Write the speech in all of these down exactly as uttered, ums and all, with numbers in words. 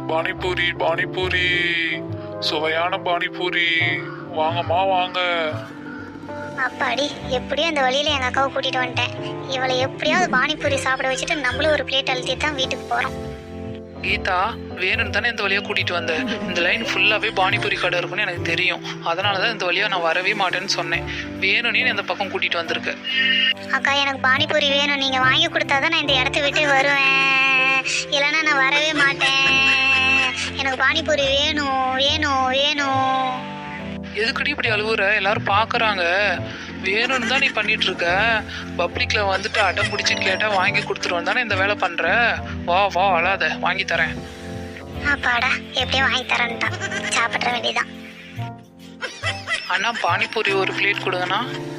பானிபூரி பானிபூரி சுவையான பானிபூரி வாங்கம்மா வாங்க. அப்பாடி, எப்படியும் அந்த வழியில எங்க அக்காவை கூட்டிட்டு வந்துட்டேன். இவளை எப்படியாவது பானிபூரி சாப்பிட வச்சுட்டு நம்மளும் ஒரு பிளேட் அழுத்தி தான் வீட்டுக்கு போறோம். கீதா, வேணும்னு தானே இந்த வழியாக கூட்டிகிட்டு வந்தேன். இந்த லைன் ஃபுல்லாகவே பானிபூரி கடை இருக்குன்னு எனக்கு தெரியும். அதனால தான் இந்த வழியாக நான் வரவே மாட்டேன்னு சொன்னேன். வேணும்னே இந்த பக்கம் கூட்டிகிட்டு வந்திருக்கேன். அக்கா, எனக்கு பானிபூரி வேணும். நீங்க வாங்கி கொடுத்தாதான் நான் இந்த இடத்த விட்டு வருவேன், இல்லைன்னா நான் வரவே மாட்டேன். எனக்கு பானிபூரி வேணும் வேணும் வேணும். எதுக்கடி இப்படி அழுவுற? எல்லாரும் பார்க்குறாங்க. வேணும்னு தான் நீ பண்ணிட்டு இருக்க. பப்ளிக்கில் வந்துட்டு அடம் பிடிச்சி கேட்டால் வாங்கி கொடுத்துருவோம் தானே இந்த வேலை பண்ணுற. வா வா, அழாத, வாங்கி தரேன். அப்பாடா, எப்படியும் வாங்கி தரேன்ட்டான். சாப்பிட்ற வேண்டியதான். அண்ணா, பானிபூரி ஒரு பிளேட் கொடுங்கண்ணா.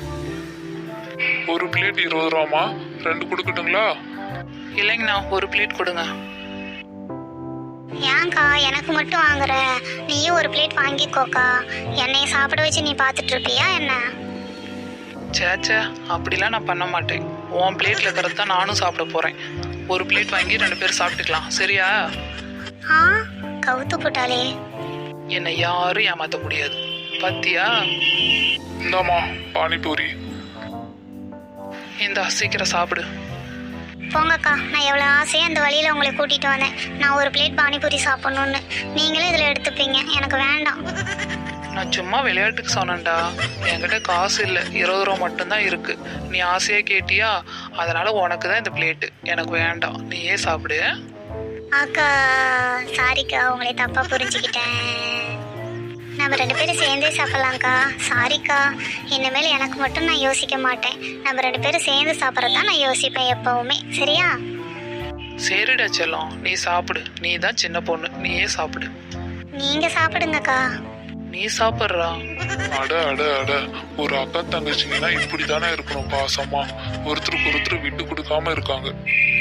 ஒரு பிளேட் இருபது ரூபாமா, ரெண்டு கொடுக்கட்டுங்களா? இல்லைங்கண்ணா, ஒரு பிளேட் கொடுங்க. ஏன்க்கா எனக்கு மட்டும் வாங்குற? நீயும் ஒரு பிளேட் வாங்கிக்கோக்கா. என்னைய சாப்பிட வச்சு நீ பார்த்துட்டு இருப்பியா என்ன? சேச்சே, அப்படிலாம் நான் பண்ண மாட்டேன். உன் பிளேட்டில் இருக்கிறது தான் நானும் சாப்பிட போகிறேன். ஒரு பிளேட் வாங்கி ரெண்டு பேரும் சாப்பிட்டுக்கலாம், சரியா? ஆ, கவுத்து போட்டாலே. என்னை யாரும் ஏமாற்ற முடியாது, பத்தியா? இந்தாம்மா பானிபூரி. இந்தா, சீக்கிரம் சாப்பிடு. போங்கக்கா, நான் எவ்வளோ ஆசையாக அந்த வழியில் உங்களை கூட்டிகிட்டு வந்தேன். நான் ஒரு பிளேட் பானிபூரி சாப்பிட்ணுன்னு. நீங்களே இதில் எடுத்துப்பீங்க, எனக்கு வேண்டாம். நான் சும்மா விளையாட்டுக்கு சொன்னேன்டா. என்கிட்ட காசு இல்லை, இருபது ரூபா மட்டும்தான் இருக்கு. நீ ஆசையாக கேட்டியா, அதனால உனக்கு தான் இந்த பிளேட்டு. எனக்கு வேண்டாம், நீயே சாப்பிடு. அக்கா, சாரிக்கா, உங்களை தப்பாக புரிஞ்சுக்கிட்டேன். நம்ம ரெண்டு பேரும் சேர்ந்தே சாப்பிட்லாம்க்கா. சாரிக்கா, இனிமேல் எனக்கு மட்டும் நான் யோசிக்க மாட்டேன். நம்ம ரெண்டு பேரும் சேர்ந்து சாப்பிட்றது தான் நான் யோசிப்பேன் எப்பவுமே, சரியா? சரிடா செல்லம், நீ சாப்பிடு. நீ தான் சின்ன பொண்ணு, நீயே சாப்பிடு. நீங்கள் சாப்பிடுங்கக்கா. நீ சாப்பிட்றா. அட அட அட, ஒரு அக்கா தங்கச்சிங்கன்னா இப்படி தானே இருக்கணும், பாசமா ஒருத்தருக்கு ஒருத்தர் விட்டு கொடுக்காம இருக்காங்க.